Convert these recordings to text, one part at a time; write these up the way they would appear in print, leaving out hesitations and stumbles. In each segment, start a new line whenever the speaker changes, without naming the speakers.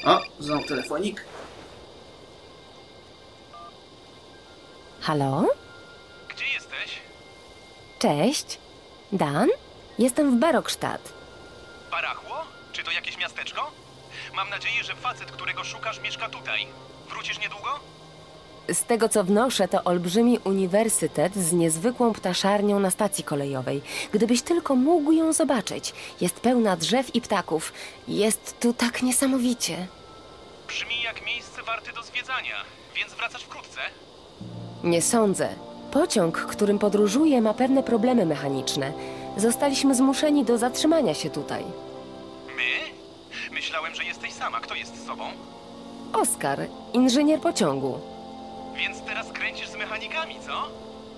O, znowu telefonik.
Halo?
Gdzie jesteś?
Cześć. Dan? Jestem w Berokstadt.
Barachło? Czy to jakieś miasteczko? Mam nadzieję, że facet, którego szukasz, mieszka tutaj. Wrócisz niedługo?
Z tego co wnoszę, to olbrzymi uniwersytet z niezwykłą ptaszarnią na stacji kolejowej. Gdybyś tylko mógł ją zobaczyć. Jest pełna drzew i ptaków. Jest tu tak niesamowicie.
Brzmi jak miejsce warte do zwiedzania, więc wracasz wkrótce?
Nie sądzę. Pociąg, którym podróżuję, ma pewne problemy mechaniczne. Zostaliśmy zmuszeni do zatrzymania się tutaj.
My? Myślałem, że jesteś sama. Kto jest z sobą?
Oskar, inżynier pociągu.
Więc teraz kręcisz z mechanikami, co?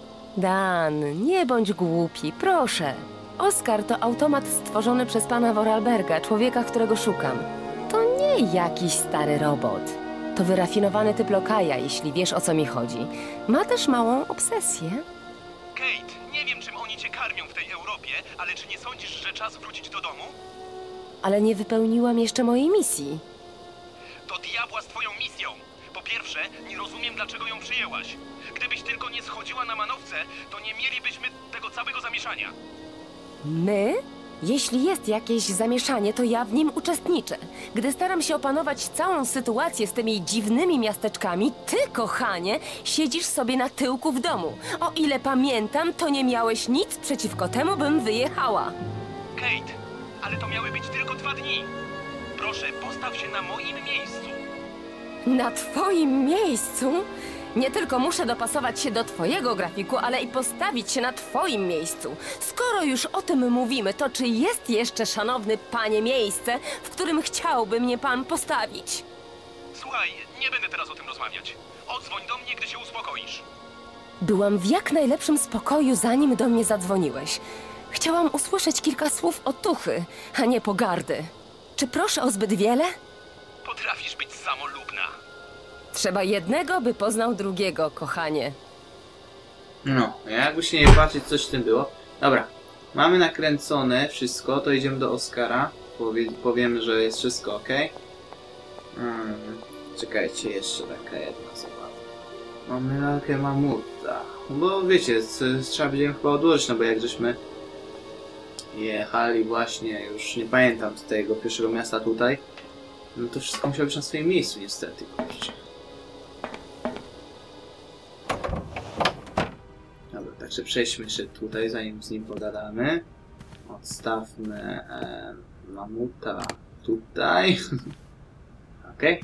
Dan, nie bądź głupi, proszę. Oskar to automat stworzony przez pana Vorarlberga, człowieka, którego szukam. To nie jakiś stary robot. To wyrafinowany typ lokaja, jeśli wiesz, o co mi chodzi. Ma też małą obsesję.
Kate, nie wiem, czym oni cię karmią w tej Europie, ale czy nie sądzisz, że czas wrócić do domu?
Ale nie wypełniłam jeszcze mojej misji.
Do diabła z twoją misją! Po pierwsze, nie rozumiem, dlaczego ją przyjęłaś. Gdybyś tylko nie schodziła na manowce, to nie mielibyśmy tego całego zamieszania.
My? Jeśli jest jakieś zamieszanie, to ja w nim uczestniczę. Gdy staram się opanować całą sytuację z tymi dziwnymi miasteczkami, ty, kochanie, siedzisz sobie na tyłku w domu. O ile pamiętam, to nie miałeś nic przeciwko temu, bym wyjechała.
Kate, ale to miały być tylko 2 dni. Proszę, postaw się na moim miejscu.
Na twoim miejscu? Nie tylko muszę dopasować się do twojego grafiku, ale i postawić się na twoim miejscu. Skoro już o tym mówimy, to czy jest jeszcze, szanowny panie, miejsce, w którym chciałby mnie pan postawić?
Słuchaj, nie będę teraz o tym rozmawiać. Odzwoń do mnie, gdy się uspokoisz.
Byłam w jak najlepszym spokoju, zanim do mnie zadzwoniłeś. Chciałam usłyszeć kilka słów otuchy, a nie pogardy. Czy proszę o zbyt wiele?
Potrafisz być samolubna.
Trzeba jednego, by poznał drugiego, kochanie.
No, jakby się nie patrzeć, coś w tym było. Dobra, mamy nakręcone wszystko, to idziemy do Oskara. Powiemy, że jest wszystko ok. Czekajcie, jeszcze taka jedna zabawa. Mamy lalkę mamuta. Bo wiecie, trzeba będziemy chyba odłożyć, no bo jak żeśmy jechali właśnie, już nie pamiętam z tego pierwszego miasta tutaj, no to wszystko musiało być na swoim miejscu niestety, kurczę. Dobra, także przejdźmy jeszcze tutaj, zanim z nim pogadamy. Odstawmy mamuta tutaj. Okej.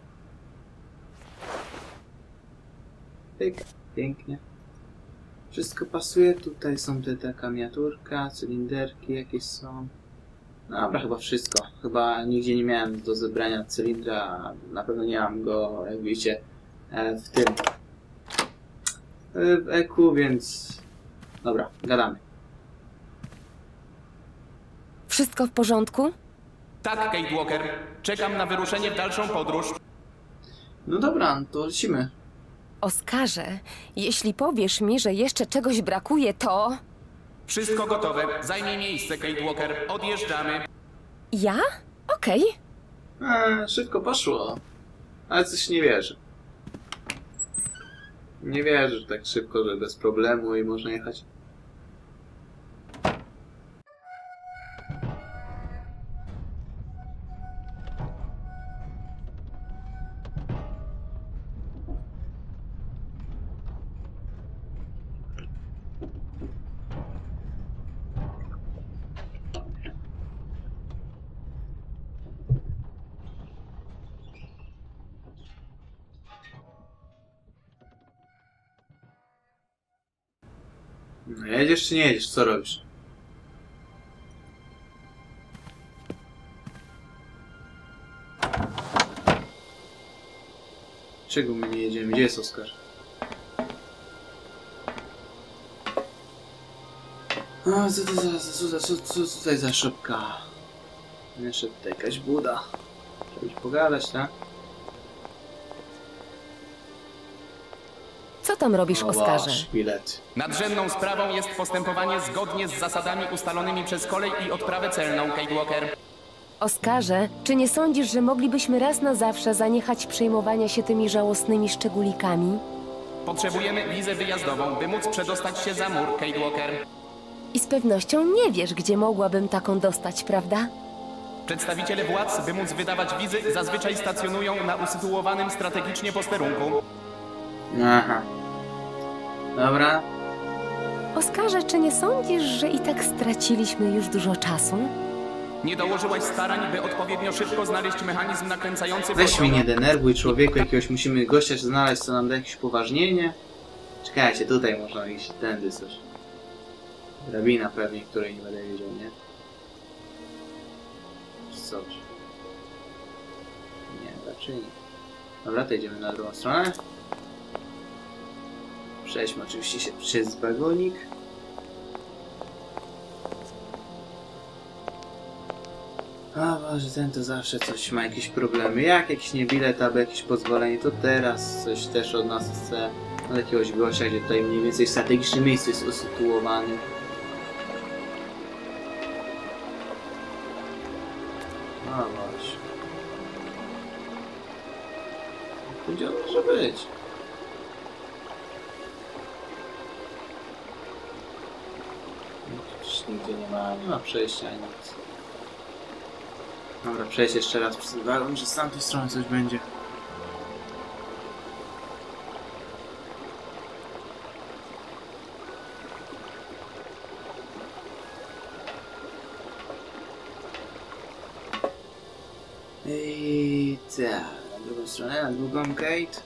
Pyk, pięknie. Wszystko pasuje. Tutaj są taka miniaturka, cylinderki jakieś są. Dobra, chyba wszystko. Chyba nigdzie nie miałem do zebrania cylindra, a na pewno nie mam go, jak widzicie, w tym. W EQ, więc... Dobra, gadamy.
Wszystko w porządku?
Tak, Kate Walker. Czekam na wyruszenie w dalszą podróż.
No dobra, no to lecimy.
Oskarze, jeśli powiesz mi, że jeszcze czegoś brakuje, to...
Wszystko gotowe. Zajmij miejsce, Kate Walker. Odjeżdżamy.
Ja? Okej.
Szybko poszło. Ale coś nie wierzę. Nie wierzę, że tak szybko, że bez problemu i można jechać. No, jedziesz czy nie jedziesz? Co robisz? Czego my nie jedziemy? Gdzie jest Oskar? O, co tutaj za szopka? Jeszcze tutaj jakaś buda. Trzeba już pogadać, tak?
Co tam robisz, Oskarze?
Szpilet.
Nadrzędną sprawą jest postępowanie zgodnie z zasadami ustalonymi przez kolej i odprawę celną, Kate Walker.
Oskarze, czy nie sądzisz, że moglibyśmy raz na zawsze zaniechać przejmowania się tymi żałosnymi szczególikami?
Potrzebujemy wizę wyjazdową, by móc przedostać się za mur, Kate Walker.
I z pewnością nie wiesz, gdzie mogłabym taką dostać, prawda?
Przedstawiciele władz, by móc wydawać wizy, zazwyczaj stacjonują na usytuowanym strategicznie posterunku.
Aha. Dobra.
Oskarze, czy nie sądzisz, że i tak straciliśmy już dużo czasu?
Nie dołożyłaś starań, by odpowiednio szybko znaleźć mechanizm nakręcający
Weź mnie
pociąg.
nie denerwuj, człowieku, jakiegoś musimy gościa znaleźć, co nam da jakieś upoważnienie. Czekajcie, tutaj można iść, tędy coś. Drabina pewnie, której nie będę wiedział, nie? Czy coś. Nie, raczej nie. Dobra, to idziemy na drugą stronę. Przejdźmy oczywiście się przez wagonik. O Boże, ten to zawsze coś ma jakieś problemy. Jak jakiś nie bilet albo jakieś pozwolenie, to teraz coś też od nas chce. Od jakiegoś gościa, gdzie tutaj mniej więcej w strategicznym miejscu jest usytuowany. O Boże. Gdzie on może być? Przecież nigdzie nie ma przejścia ani nic. Dobra, przejść jeszcze raz przez wagon, że z tamtej strony coś będzie. I tak, na drugą stronę, na drugą gate.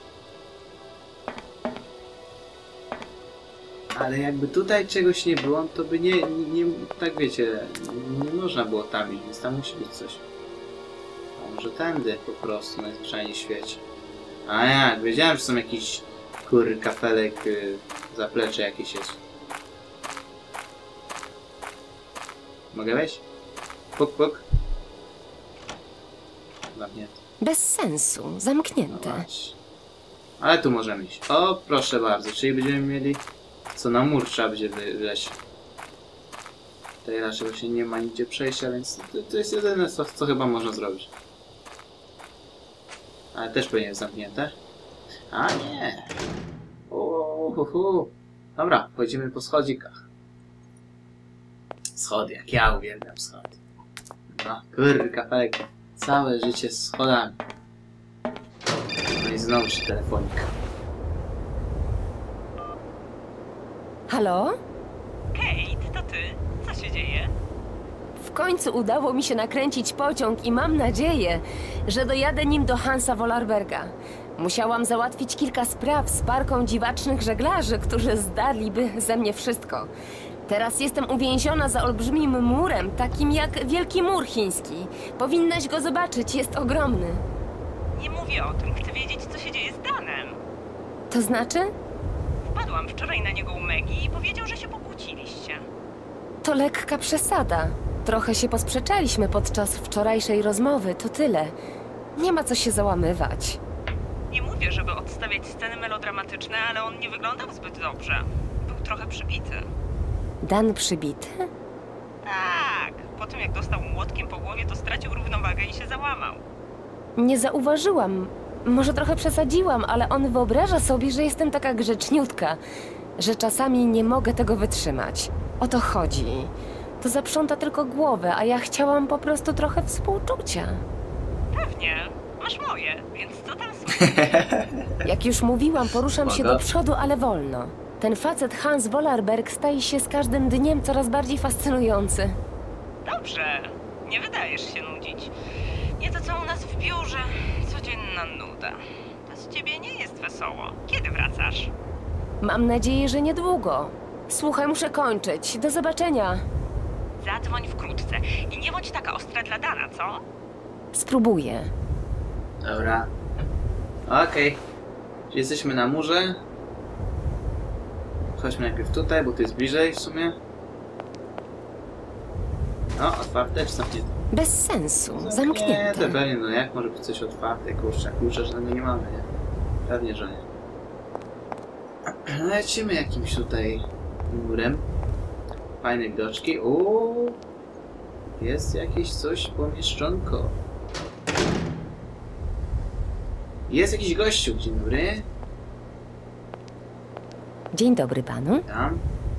Ale jakby tutaj czegoś nie było, to by nie tak wiecie, nie można było tam iść, więc tam musi być coś. A może tędy po prostu, najzwyczajniej w świecie. A jak, wiedziałem, że są jakiś kafelek, zaplecze jakieś jest. Mogę wejść? Puk, puk. Zamknięte.
Bez sensu,
No
zamknięte.
właśnie. Ale tu możemy iść. O, proszę bardzo, czyli będziemy mieli... Co na mur trzeba będzie wleźć. Tutaj raczej właśnie nie ma nigdzie przejścia, więc to jest jedyne, co chyba można zrobić. Ale też pewnie jest zamknięte. A nie! Dobra, chodzimy po schodzikach. Schody, jak ja uwielbiam schody. No, kafelek. Całe życie z schodami. No i znowu się telefonik.
Halo?
Kate, to ty? Co się dzieje?
W końcu udało mi się nakręcić pociąg i mam nadzieję, że dojadę nim do Hansa Wollerberga. Musiałam załatwić kilka spraw z parką dziwacznych żeglarzy, którzy zdarliby ze mnie wszystko. Teraz jestem uwięziona za olbrzymim murem, takim jak Wielki Mur Chiński. Powinnaś go zobaczyć, jest ogromny.
Nie mówię o tym, chcę wiedzieć, co się dzieje z Danem.
To znaczy?
Wpadłam wczoraj na niego u Megi i powiedział, że się pokłóciliście.
To lekka przesada. Trochę się posprzeczaliśmy podczas wczorajszej rozmowy, to tyle. Nie ma co się załamywać.
Nie mówię, żeby odstawiać sceny melodramatyczne, ale on nie wyglądał zbyt dobrze. Był trochę przybity.
Dan przybity?
Tak, po tym jak dostał młotkiem po głowie, to stracił równowagę i się załamał.
Nie zauważyłam. Może trochę przesadziłam, ale on wyobraża sobie, że jestem taka grzeczniutka, że czasami nie mogę tego wytrzymać. O to chodzi. To zaprząta tylko głowę, a ja chciałam po prostu trochę współczucia.
Pewnie, masz moje, więc co tam słychać?
Jak już mówiłam, poruszam się
Spoko.
do przodu, ale wolno. Ten facet Hans Wollerberg staje się z każdym dniem coraz bardziej fascynujący.
Dobrze, nie wydajesz się nudzić. Nie to co u nas w biurze, codzienna nuda. Bez ciebie nie jest wesoło. Kiedy wracasz?
Mam nadzieję, że niedługo. Słuchaj, muszę kończyć. Do zobaczenia.
Zadzwoń wkrótce i nie bądź taka ostra dla Dana, co?
Spróbuję.
Dobra. Okej. Czyli jesteśmy na murze. Chodźmy najpierw tutaj, bo tu jest bliżej w sumie. No, otwarte czy zamknięte?
Bez sensu. Zamknięte.
Pewnie, no jak może być coś otwarte? Kurczę, klucza żadnego nie mamy, nie? Pewnie, że nie. Lecimy jakimś tutaj murem. Fajne widoczki. Jest jakieś coś pomieszczonko. Jest jakiś gościu, dzień dobry.
Dzień dobry panu.
Tam.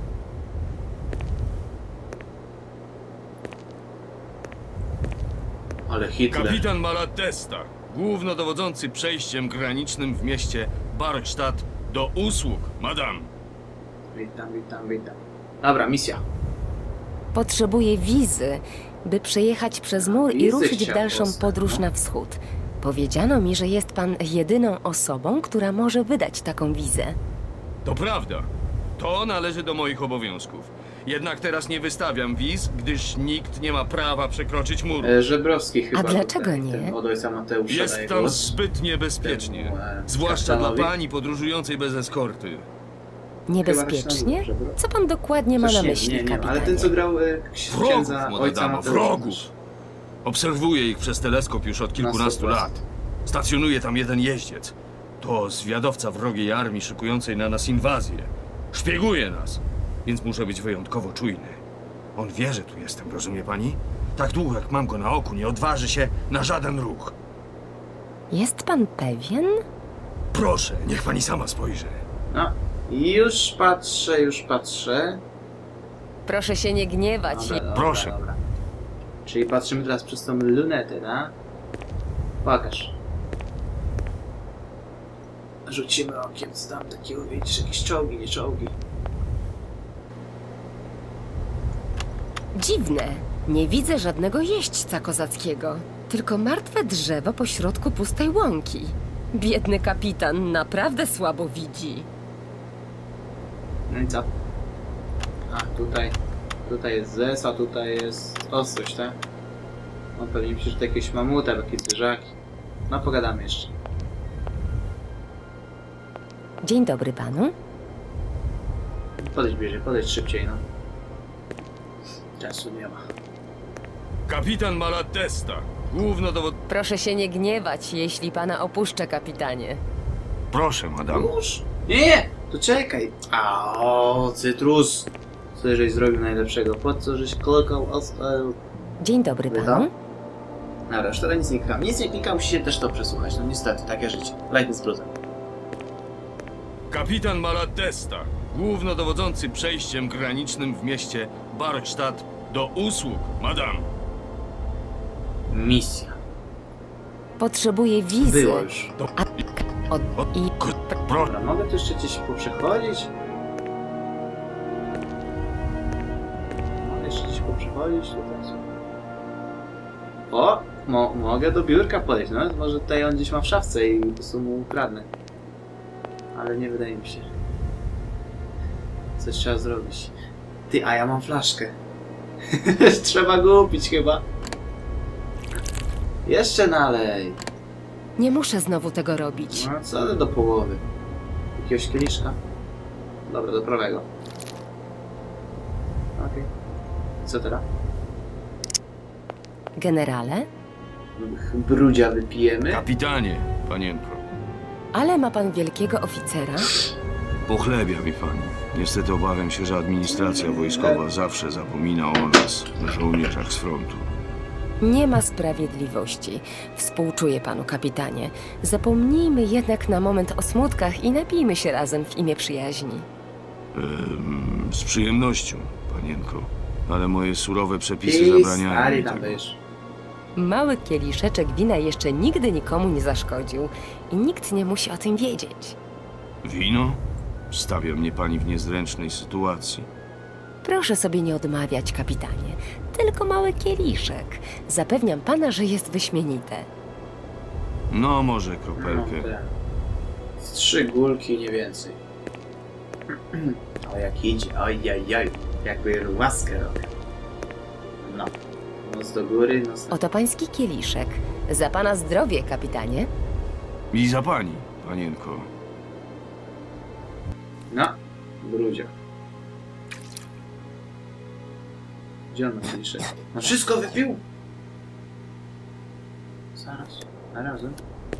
Ale Hitler.
Kapitan Malatesta, głównodowodzący przejściem granicznym w mieście Barkstadt do usług, madam.
Witam, witam, witam. Dobra, misja.
Potrzebuję wizy, by przejechać przez mur i
Wizy
ruszyć w
chciał
dalszą
dostać,
podróż
no.
na wschód. Powiedziano mi, że jest pan jedyną osobą, która może wydać taką wizę.
To prawda. To należy do moich obowiązków. Jednak teraz nie wystawiam wiz, gdyż nikt nie ma prawa przekroczyć muru.
Żebrowski chyba.
dlaczego
tutaj,
nie?
Ten od ojca Mateusza daje
Jest tam
głos.
zbyt niebezpiecznie.
Temu,
Zwłaszcza dla
kapitanowi.
pani podróżującej bez eskorty.
Niebezpiecznie?
Chyba
Co pan dokładnie ma
Coś
na
nie,
myśli,
nie,
kapitanie?
ale ten co grał księdza
Wrogów,
ojca
młoda
Mateusza.
wrogów. Obserwuję ich przez teleskop już od kilkunastu
100%.
lat. Stacjonuje tam jeden jeździec. To zwiadowca wrogiej armii szykującej na nas inwazję. Szpieguje nas, więc muszę być wyjątkowo czujny. On wie, że tu jestem, rozumie pani? Tak długo jak mam go na oku, nie odważy się na żaden ruch.
Jest pan pewien?
Proszę, niech pani sama spojrzy.
No, już patrzę, już patrzę.
Proszę się nie gniewać.
Dobra,
Proszę.
Dobra. Czyli patrzymy teraz przez tą lunetę, tak? Pokaż. Rzucimy okiem, co tam takiego, widzisz, jakieś czołgi, nie czołgi.
Dziwne. Nie widzę żadnego jeźdźca kozackiego. Tylko martwe drzewo pośrodku pustej łąki. Biedny kapitan naprawdę słabo widzi.
No i co? A, tutaj jest zes, a tutaj jest ostrość, tak? No pewnie myślę, że to jakieś mamuta, jakieś zwierzaki. No pogadamy jeszcze.
Dzień dobry panu.
Podejdź bliżej, podejdź szybciej, no. Czasu nie ma.
Kapitan Malatesta, głównodowod...
Proszę się nie gniewać, jeśli pana opuszczę, kapitanie.
Proszę, madam.
Już? Nie, to czekaj. A, o, cytrus. Co żeś zrobił najlepszego? Po co żeś klikał?
Dzień dobry
Witam.
panu.
Dobra, już teraz nic nie klikam. Nic nie klikam, musi się też to przesłuchać. No niestety, takie życie. Lajty z bluzem.
Kapitan Malatesta, głównodowodzący przejściem granicznym w mieście Barkstadt do usług, madam.
Misja.
Potrzebuję wizy.
Było już.
To...
I
Dobra, mogę tu jeszcze gdzieś poprzechodzić? Mogę jeszcze gdzieś poprzechodzić tutaj. O! Mogę do biurka podejść, no? Może tutaj on gdzieś ma w szafce i po prostu mu ukradnę. Ale nie wydaje mi się. Coś trzeba zrobić. Ty, a ja mam flaszkę. Trzeba go upić chyba. Jeszcze nalej.
nie muszę znowu tego robić.
No co ty do połowy? Jakiegoś kieliszka? Dobra, do prawego. Okej. Co teraz?
Generale?
Brudzia wypijemy?
Kapitanie, panienko.
Ale ma pan wielkiego oficera?
Pochlebia mi pani. Niestety obawiam się, że administracja wojskowa zawsze zapomina o nas, żołnierzach z frontu.
Nie ma sprawiedliwości. Współczuję panu, kapitanie. Zapomnijmy jednak na moment o smutkach i napijmy się razem w imię przyjaźni.
Z przyjemnością, panienko. Ale moje surowe przepisy
Ty,
zabraniają
stary
mi
tam
tego.
będziesz.
Mały kieliszeczek wina jeszcze nigdy nikomu nie zaszkodził i nikt nie musi o tym wiedzieć.
Wino? Stawia mnie pani w niezręcznej sytuacji.
Proszę sobie nie odmawiać, kapitanie. Tylko mały kieliszek. Zapewniam pana, że jest wyśmienite.
No, może
No,
kropelkę.
tak. Z 3 gulki, nie więcej. O, jak idzie. Ojajaj. Jakby łaskę robię. No. Nos do góry, nos do...
Oto pański kieliszek. Za pana zdrowie, kapitanie.
I za pani, panienko.
No. Brudzia. Gdzie on ma kieliszek? No wszystko wypił! Zaraz. Na razem.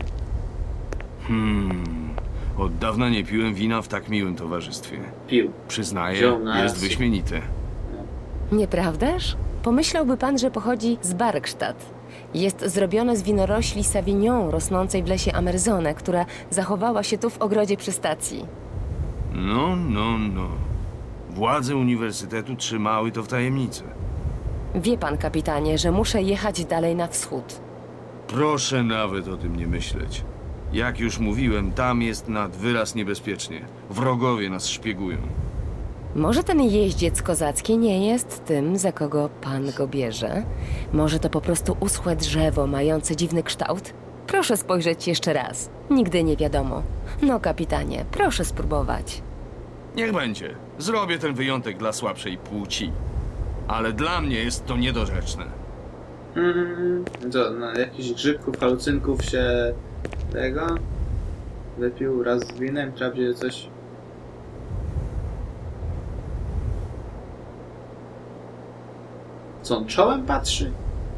Od dawna nie piłem wina w tak miłym towarzystwie.
Pił.
Przyznaję,
Wziął na
jest
rację.
wyśmienite.
Nieprawdaż? Pomyślałby pan, że pochodzi z Barkstadt. Jest zrobione z winorośli Savignon rosnącej w lesie Amerzone, która zachowała się tu w ogrodzie przy stacji.
No. Władze uniwersytetu trzymały to w tajemnicy.
Wie pan, kapitanie, że muszę jechać dalej na wschód.
Proszę nawet o tym nie myśleć. Jak już mówiłem, tam jest nad wyraz niebezpiecznie. Wrogowie nas szpiegują.
Może ten jeździec kozacki nie jest tym, za kogo pan go bierze? Może to po prostu uschłe drzewo mające dziwny kształt? Proszę spojrzeć jeszcze raz. Nigdy nie wiadomo. No, kapitanie, proszę spróbować.
Niech będzie. Zrobię ten wyjątek dla słabszej płci. Ale dla mnie jest to niedorzeczne.
To no, jakichś grzybków, halucynków się tego wypił raz z winem, trzeba będzie coś. Co on czołem patrzy?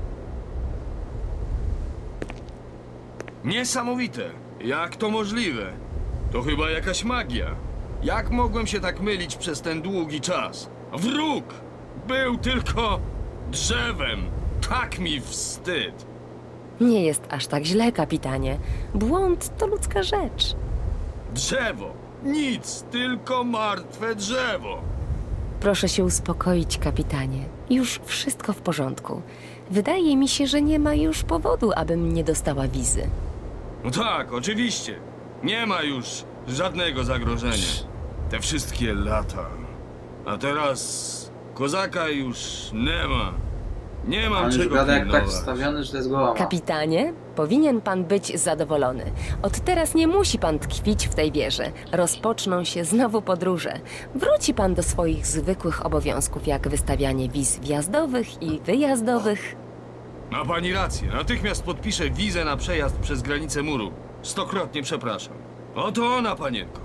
Niesamowite! Jak to możliwe? To chyba jakaś magia. Jak mogłem się tak mylić przez ten długi czas? Wróg! Był tylko drzewem. Tak mi wstyd.
Nie jest aż tak źle, kapitanie. Błąd to ludzka rzecz.
Drzewo! Nic, tylko martwe drzewo.
Proszę się uspokoić, kapitanie. Już wszystko w porządku. Wydaje mi się, że nie ma już powodu, abym nie dostała wizy.
No tak, oczywiście. Nie ma już żadnego zagrożenia. Te wszystkie lata. A teraz kozaka już nie ma. Nie mam
On już
czego
gada jak tak
pilnować.
wstawiony, że to jest głowa.
Kapitanie, powinien pan być zadowolony. Od teraz nie musi pan tkwić w tej wieży. Rozpoczną się znowu podróże. Wróci pan do swoich zwykłych obowiązków, jak wystawianie wiz wjazdowych i wyjazdowych.
Ma pani rację. Natychmiast podpiszę wizę na przejazd przez granicę muru. 100-krotnie przepraszam. Oto ona, panienko.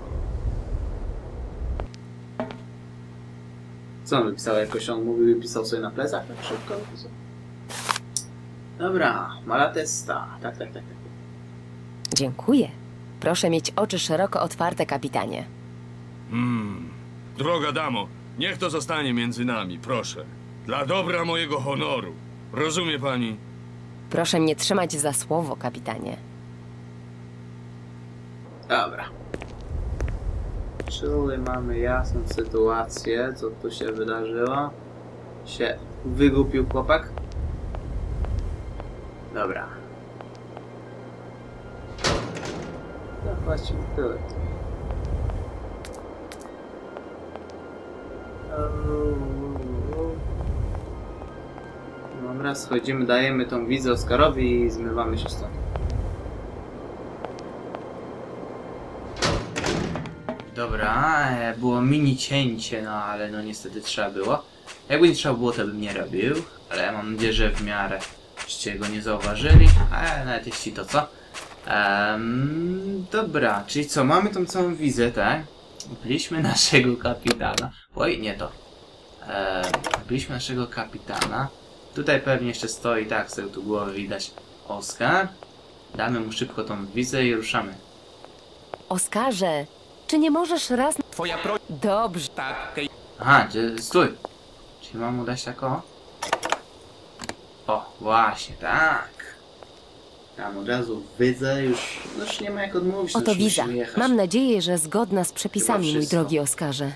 Co on wypisał? Jakoś on mówił i pisał sobie na plecach? Tak szybko wypisał. Dobra, Malatesta. Tak.
Dziękuję. Proszę mieć oczy szeroko otwarte, kapitanie.
Droga damo, niech to zostanie między nami, proszę. Dla dobra mojego honoru. Rozumie pani?
Proszę mnie trzymać za słowo, kapitanie.
Dobra. Czyli mamy jasną sytuację, co tu się wydarzyło. Się wygupił chłopak. Dobra. No właściwie tyle. Dobra, schodzimy, dajemy tą wizę Oskarowi i zmywamy się stąd. Dobra, było mini cięcie, no ale no niestety trzeba było. Jakby nie trzeba było, to bym nie robił, ale mam nadzieję, że w miarę żeście go nie zauważyli, ale nawet jeśli to co. Dobra, czyli co, mamy tą całą wizę, tak? Byliśmy naszego kapitana. Oj, nie to. Byliśmy naszego kapitana. Tutaj pewnie jeszcze stoi, tak, z tyłu tu głowy widać Oskar. Damy mu szybko tą wizę i ruszamy.
Oskarze, czy nie możesz raz...
Twoja prośba...
Dobrze.
Tak, Kate.
Aha, stój! Czyli mam mu dać tak o, właśnie, tak. Tam od razu widzę, już nie ma jak odmówić.
Oto
już
wiza.
musimy jechać.
Mam nadzieję, że zgodna z przepisami, mój
wszystko.
drogi Oskarze.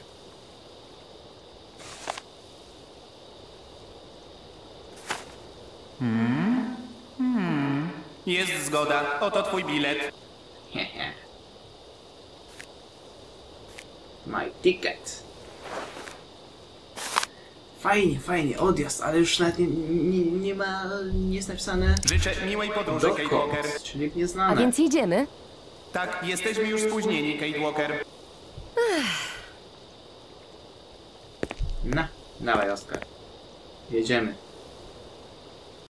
Jest zgoda. Oto twój bilet.
Hehe. My ticket. Fajnie, odjazd, ale już nawet nie ma, nie jest napisane
Życzę miłej podróży, Kate Walker.
dokąd, czyli
A
nieznane.
więc jedziemy?
Tak, jesteśmy już spóźnieni, Kate Walker.
No, dawaj Oskar. Jedziemy.